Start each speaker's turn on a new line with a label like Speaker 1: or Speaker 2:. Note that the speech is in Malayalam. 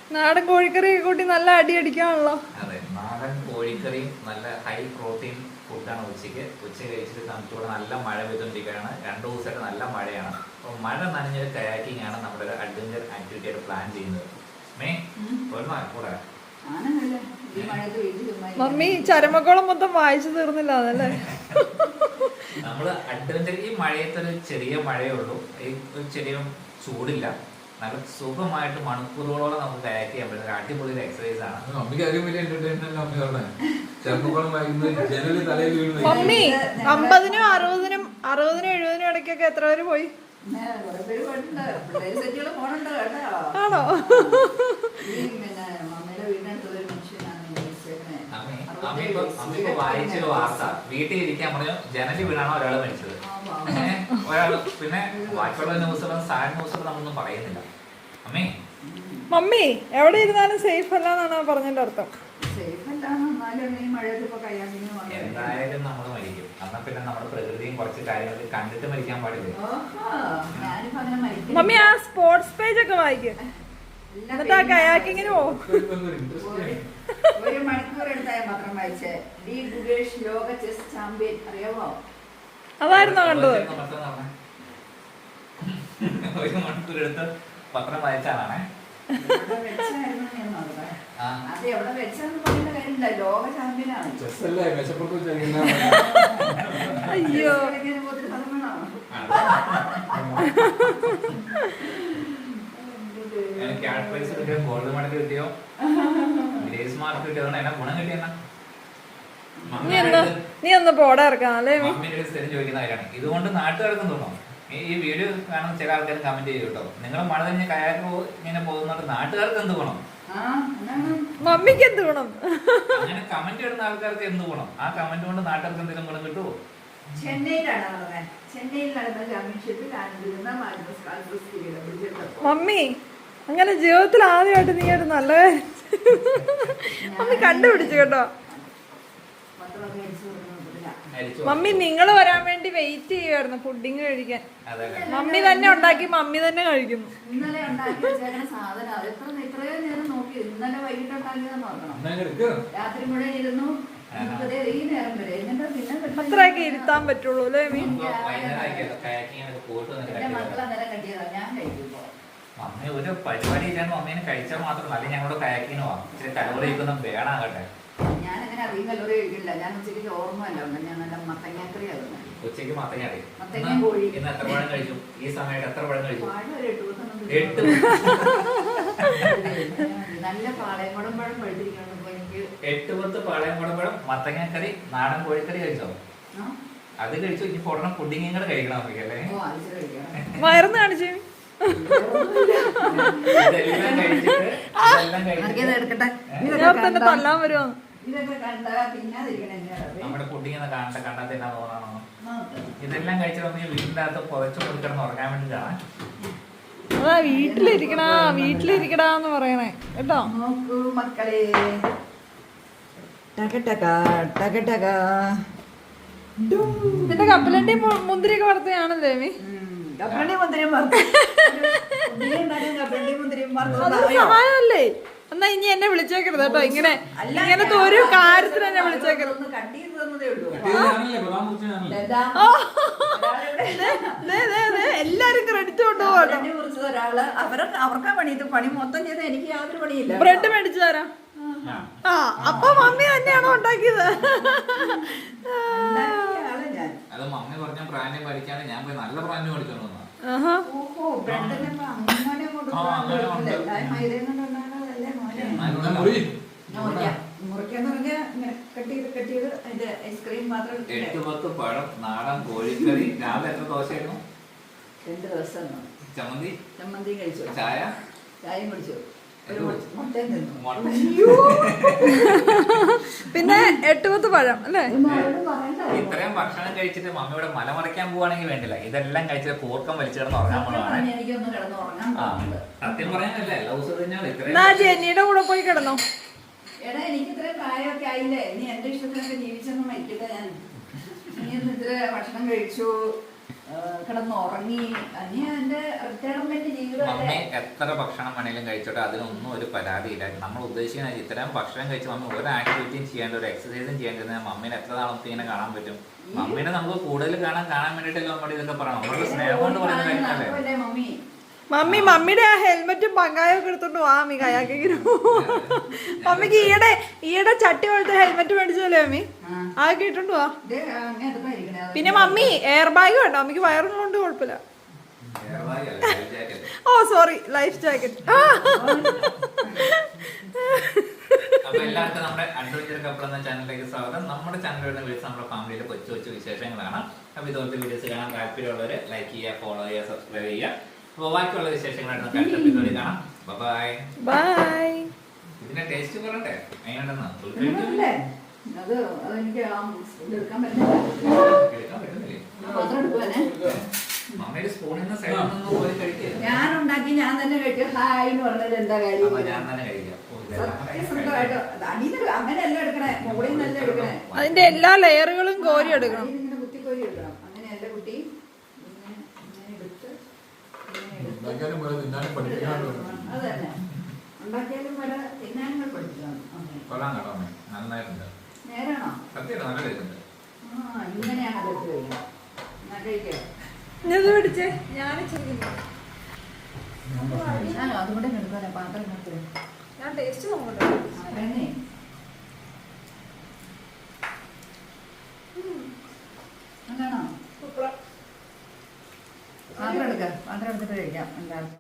Speaker 1: നാടൻ കോഴിക്കറി കൂട്ടി നല്ല അടി അടിക്കാണല്ലോ.
Speaker 2: അതെ, നാടൻ കോഴിക്കറിയും നല്ല ഹൈ പ്രോട്ടീൻ ഫുഡാണ് ഉച്ച കഴിച്ചിട്ട് നമുക്കിവിടെ നല്ല മഴ പെയ്തുകൊണ്ടിരിക്കുകയാണ്. 2 ദിവസമായിട്ട് നല്ല മഴയാണ്. അപ്പോൾ മഴ നനഞ്ഞൊരു കയാക്കിംഗ് ആണ് നമ്മുടെ ഒരു അഡ്വഞ്ചർ ആക്ടിവിറ്റി ആയിട്ട് പ്ലാൻ ചെയ്യുന്നത്. കൂടെ
Speaker 1: മമ്മി ചരമക്കോളം മൊത്തം വായിച്ചു തീർന്നില്ല അതല്ലേ?
Speaker 2: നമ്മള് അഡ്വഞ്ചർ ഈ മഴയത്തൊരു ചെറിയ മഴയേ ഉള്ളൂ, ഈ ഒരു ചെറിയ ചൂടില്ല, നല്ല സുഖമായിട്ട് മണിക്കൂറുകളോളം നമുക്ക് കയാക്ക് ചെയ്യാൻ പറ്റുന്ന അടിപൊളി ഒരു എക്സസൈസ് ആണ്.
Speaker 3: മമ്മിക്ക് അതിലും വലിയ എന്റർടൈൻമെന്റ് അമ്മ ചെറുപ്പക്കോളം വായിക്കുന്നത് ജനലിൽ തലയിൽ വീഴുന്നത്.
Speaker 1: മമ്മി 50-നും 60-നും 70-നും ഇടയ്ക്കൊക്കെ എത്ര പേര് പോയി? ആണോ?
Speaker 2: അമ്മ വായിച്ചൊരു വാർത്ത, വീട്ടിൽ ഇരിക്കാൻ പറഞ്ഞു ജനലിൽ വീണാണോ ഒരാള് മരിച്ചത്. ഒരാള് പിന്നെ ബാക്കിയുള്ള ന്യൂസുകളും സാഡ് ന്യൂസുകളും നമ്മളൊന്നും പറയുന്നില്ല.
Speaker 1: മമ്മി എവിടെ ഇരുന്നാലും സേഫ് അല്ല എന്നാണ് പറഞ്ഞതിന്റെ അർത്ഥം.
Speaker 2: എന്തായാലും നമ്മൾ മരിക്കും. എന്നാ പിന്നെ നമ്മുടെ പ്രകൃതിയും കുറച്ച് കാര്യങ്ങൾ കണ്ടിട്ട് മരിക്കാൻ പാടില്ല.
Speaker 1: മമ്മി ആ സ്പോർട്സ് പേജ് ഒക്കെ വായിക്കും, എന്നിട്ട് ആ കയാക്കിങ്ങിന് പോകും.
Speaker 4: 1 മണിക്കൂർ എടുത്താൽ മാത്രം വായിച്ചേ. ഡി ഗുഗേഷ് ലോക ചെസ് ചാമ്പ്യൻ അറിയാമോ?
Speaker 1: അതായിരുന്നോ കണ്ടത്?
Speaker 2: 1 മണിക്കൂർ എടുത്ത് പത്രം വായിച്ചാണേ.
Speaker 4: അത് എവിടെ വെച്ചാന്ന് പറയുന്ന കാര്യമില്ല, ലോക ചാമ്പ്യനാണ്.
Speaker 1: അയ്യോ
Speaker 2: ഗോൾഡ് മെഡൽ കിട്ടിയോ, ഗ്രേസ് മാർക്ക് കിട്ടിയോ, എന്നാ ഗുണം കിട്ടിയെന്നാ
Speaker 1: നീ ഒന്ന് പോടാ ഇറക്കാം അല്ലേ?
Speaker 2: മമ്മിയുടെ സ്ഥിരം ചോദിക്കുന്ന കാര്യമാണ്. ഇതുകൊണ്ട് നാട്ടുകാർക്കും തോന്നും, ഈ വീഡിയോ കാണുന്ന ചില ആൾക്കാർ കമന്റ് ചെയ്യും കേട്ടോ, നിങ്ങൾ മഴ തന്നെ കയാക്ക് ഇങ്ങനെ പോകുന്നുണ്ട് നാട്ടുകാർക്ക് എന്ത് ഗുണം,
Speaker 1: മമ്മിക്ക് എന്ത് ഗുണം?
Speaker 2: അങ്ങനെ കമന്റ് ഇടുന്ന ആൾക്കാർക്ക് എന്ത് ഗുണം? ആ കമന്റ് കൊണ്ട് നാട്ടുകാർക്ക് എന്തെങ്കിലും ഗുണം കിട്ടുമോ?
Speaker 1: മമ്മി അങ്ങനെ ജീവിതത്തിൽ ആദ്യമായിട്ട് നീ ഒരു നല്ല മമ്മി കണ്ടുപിടിച്ചു കേട്ടോ. മമ്മി നിങ്ങൾ വരാൻ വേണ്ടി വെയിറ്റ് ചെയ്യുമായിരുന്നു പുഡിങ് കഴിക്കാൻ. മമ്മി തന്നെ ഉണ്ടാക്കി മമ്മി തന്നെ കഴിക്കുന്നു.
Speaker 4: ഇന്നലെ ഉണ്ടാക്കി വെച്ചേക്കണ സാധനം അത് ഇത്രയോ നേരം നോക്കി. ഇന്നലെ വൈകിട്ട് ഉണ്ടാക്കിയതെന്ന് നോക്കണം. രാത്രി മുഴുവൻ ഇരുന്നു ഈ നേരം വരെ. എന്നിട്ട് പിന്നെ
Speaker 1: അത്രയൊക്കെ ഇരുത്താൻ പറ്റുള്ളൂ അല്ലേ?
Speaker 4: മക്കൾ അന്നേരം കണ്ടിയതാ, ഞാൻ കഴിക്കുമ്പോ
Speaker 2: മമ്മി ഒരു പരിപാടി ഇല്ലാണ്ട് മമ്മീനെ കഴിച്ചാൽ മാത്രമല്ല, അല്ലെങ്കിൽ ഞങ്ങളുടെ കയാക്കിന് പോവാം. ഇച്ചിരി കലോറിയൊന്നും വേണാകട്ടെ.
Speaker 4: ഞാനങ്ങനെ അധികം കലോറി കഴിക്കില്ല. ഞാൻ ഉച്ചയ്ക്ക് ഓർമ്മയല്ല, ഞാൻ നല്ല മത്തങ്ങാക്കറി ആകുന്നത്.
Speaker 2: ഉച്ചയ്ക്ക് മത്തങ്ങ
Speaker 4: കോഴി.
Speaker 2: ഇന്ന് എത്ര പഴം കഴിച്ചു? ഈ സമയത്ത് എത്ര പഴം കഴിച്ചു?
Speaker 4: 8 നല്ല പാളയംകുടം പഴം പഴുത്തിരിക്കണം.
Speaker 2: 8-10 പാളയംകുടം മത്തങ്ങാക്കറി നാടൻ കോഴിക്കറി കഴിച്ചോ? അത് കഴിച്ചു. ഇനി ഉടനെ പുഡിങ്ങും കൂടെ കഴിക്കണം നമുക്ക് അല്ലേ?
Speaker 1: വയറുന്ന് കാണിച്ചു.
Speaker 2: ഇതെല്ലാം കഴിച്ചിട്ട്
Speaker 1: തന്നെ തല്ലാൻ വരുമോ?
Speaker 2: നമ്മുടെ പുഡിങ് കണ്ടാൽ എന്നാ തോന്നണോ? ഇതെല്ലാം കഴിച്ചിട്ട് നമുക്ക് വീടിന്റെ അകത്ത് പുതച്ചു കൊടുക്കണം ഉറങ്ങാൻ വേണ്ടിട്ടാണ്.
Speaker 1: അതാ വീട്ടിലിരിക്കടാന്ന് പറയണേ കേട്ടോ.
Speaker 4: നോക്കൂ മക്കളെ,
Speaker 1: നിന്റെ കപ്പലണ്ടി മുന്തിരിയൊക്കെ വറുത്തയാണല്ലേ മീ? സഹായമല്ലേ? എന്നാ ഇനി എന്നെ വിളിച്ചേക്കരുത് കേട്ടോ. ഇങ്ങനത്തെ ഒരു കാര്യത്തിന് എന്നെ വിളിച്ചേക്കരുത്. എല്ലാരും ക്രെഡിറ്റ് കൊണ്ടുപോകട്ടോ.
Speaker 4: അവർക്കാ പണി, ഇത് പണി മൊത്തം ചെയ്ത് എനിക്ക് യാതൊരു പണിയില്ല.
Speaker 1: ബ്രെഡ് മേടിച്ചു തരാം. ആ അപ്പൊ മമ്മി തന്നെയാണോ ഉണ്ടാക്കിയത്?
Speaker 2: അത് മമ്മി പറഞ്ഞ പ്രാന്യം പഠിക്കാണ്, ഞാൻ പോയി നല്ല പ്രാന്യം പഠിച്ചോണ്ട് വന്നാ.
Speaker 4: മുറിക്കാന്ന് പറഞ്ഞാൽ കട്ട് ചെയ്ത് അതിന്റെ ഐസ്ക്രീം മാത്രം.
Speaker 2: 8-10 പഴം നാടൻ കോഴിക്കറി. രാവിലെ എത്ര ദോശയായിരുന്നു?
Speaker 4: 2 ദിവസം. ചമ്മന്തി കഴിച്ചു, ചായയും കുടിച്ചു,
Speaker 1: പിന്നെ 8-10 പഴം അല്ലേ?
Speaker 2: ഇത്രയും ഭക്ഷണം കഴിച്ചിട്ട് മമ്മിയുടെ മല മറിക്കാൻ പോവാണെങ്കിൽ വേണ്ടില്ല, ഇതെല്ലാം കഴിച്ചിട്ട് കൂർക്കം വലിച്ചു കിടന്ന് ഉറങ്ങാൻ പോകണം. സത്യം പറയാനല്ലേ എല്ലാ ദിവസവും
Speaker 1: ജെന്നിയുടെ കൂടെ പോയി കിടന്നോ?
Speaker 4: എടാ എനിക്ക് ഇത്രയും പ്രായമൊക്കെ ആയില്ലേ, ഇനി എന്റെ ഇഷ്ടത്തിനൊക്കെ ജീവിച്ചൊന്നും മരിക്കട്ടെ. ഞാൻ നീ ഇത്ര ഭക്ഷണം കഴിച്ചു, കിടന്നുറങ്ങി. അനി എന്റെ റിട്ടയർമെന്റ് ജീവിതം
Speaker 2: മമ്മി എത്ര ഭക്ഷണം വേണേലും കഴിച്ചോട്ടെ, അതിനൊന്നും ഒരു പരാതിയില്ല. നമ്മൾ ഉദ്ദേശിക്കുന്ന ഇത്രയും ഭക്ഷണം കഴിച്ച് മമ്മി ഒരു ആക്ടിവിറ്റിയും ചെയ്യേണ്ട, ഒരു എക്സസൈസും ചെയ്യേണ്ടത് മമ്മീനെ എത്ര നാളത്തെ ഇങ്ങനെ കാണാൻ പറ്റും? മമ്മീനെ നമുക്ക് കൂടുതൽ കാണാൻ വേണ്ടിയിട്ടല്ലോ നമ്മൾ ഇതൊക്കെ പറയണം. നമ്മുടെ സ്നേഹം കൊണ്ട് പറയുന്ന കാര്യമല്ലേ.
Speaker 1: മമ്മിയുടെ ആ ഹെൽമെറ്റും പങ്കായൊക്കെ എടുത്തോണ്ട് വാ മമ്മി കയാക്കിങ്ങനെ. മമ്മിക്ക് ഈയിടെ ചട്ടി പോലത്തെ ഹെൽമെറ്റ് മേടിച്ചല്ലേ മമ്മി? അതൊക്കെ ഇട്ടോണ്ട് വാ. പിന്നെ മമ്മി എയർ ബാഗ് വേണ്ട, മമ്മിക്ക് വയറുള്ളതുകൊണ്ട് കുഴപ്പമില്ല. ഓ സോറി, ലൈഫ് ജാക്കറ്റ്.
Speaker 2: അപ്പൊ എല്ലാവർക്കും നമ്മുടെ അഡ്വഞ്ചർ കപ്പിൾ എന്ന ചാനലിലേക്ക് സ്വാഗതം. നമ്മുടെ ചാനൽ വരുന്ന വീഡിയോസ് നമ്മുടെ ഫാമിലിയിലെ കൊച്ചു കൊച്ചു വിശേഷങ്ങളാണ്. അപ്പൊ ഇതുപോലത്തെ വീഡിയോസ് കാണാൻ താല്പര്യമുള്ളവര് ലൈക്ക് ചെയ്യുക, ഫോളോ ചെയ്യുക, സബ്സ്ക്രൈബ് ചെയ്യുക. അപ്പൊ ബാക്കിയുള്ള വിശേഷങ്ങളായിട്ട് അടുത്ത എപ്പിസോഡിൽ കാണാം. Bye bye. ഇതിന്റെ ടേസ്റ്റ് പറയട്ടെ എങ്ങനെയുണ്ടെന്ന്?
Speaker 4: അത് അതെനിക്ക് എടുക്കാൻ പറ്റുന്നില്ല.
Speaker 2: മമ്മയുടെ സ്പൂണിൽ നിന്ന് സൈഡിൽ നിന്ന് പോയി കഴിക്കുക.
Speaker 4: ഞാൻ ഉണ്ടാക്കി ഞാൻ തന്നെ കഴിക്കും. ഹായ് എന്ന് പറഞ്ഞത് എന്താ കാര്യം?
Speaker 2: ഞാൻ തന്നെ കഴിക്കാം.
Speaker 4: സത്യസന്ധമായിട്ട് അങ്ങനെയല്ല എടുക്കണേ, മുകളിൽ നിന്നല്ല എടുക്കണേ.
Speaker 1: അതിന്റെ എല്ലാ ലെയറുകളും കോരി എടുക്കണം.
Speaker 4: ഇങ്ങനെ കുത്തിക്കോരി എടുക്കണം. അങ്ങനെയല്ല കുട്ടി, ഇങ്ങനെ എടുത്ത് അത് തന്നെ ഉണ്ടാക്കിയാലും വരെ തിന്നാനും പഠിക്കണം.
Speaker 2: കൊള്ളാം കേട്ടോ, നന്നായിട്ടുണ്ട്.
Speaker 4: നേരാണോ?
Speaker 2: സത്യം നല്ല ടേസ്റ്റ്.
Speaker 4: ഇങ്ങനെയാണ് അതെടുത്ത് കഴിക്കാം. എന്നാ കഴിക്കാം.
Speaker 1: പിടിച്ചേ, ഞാൻ
Speaker 4: അതുകൂടെ എടുക്കാനേ പാത്രം എടുത്ത്.
Speaker 1: ഞാൻ ടേസ്റ്റ് നോക്കട്ടെ.
Speaker 4: അങ്ങനെയാണോ? പാത്രം എടുക്കാം. പാത്രം എടുത്തിട്ട് കഴിക്കാം എല്ലാവർക്കും.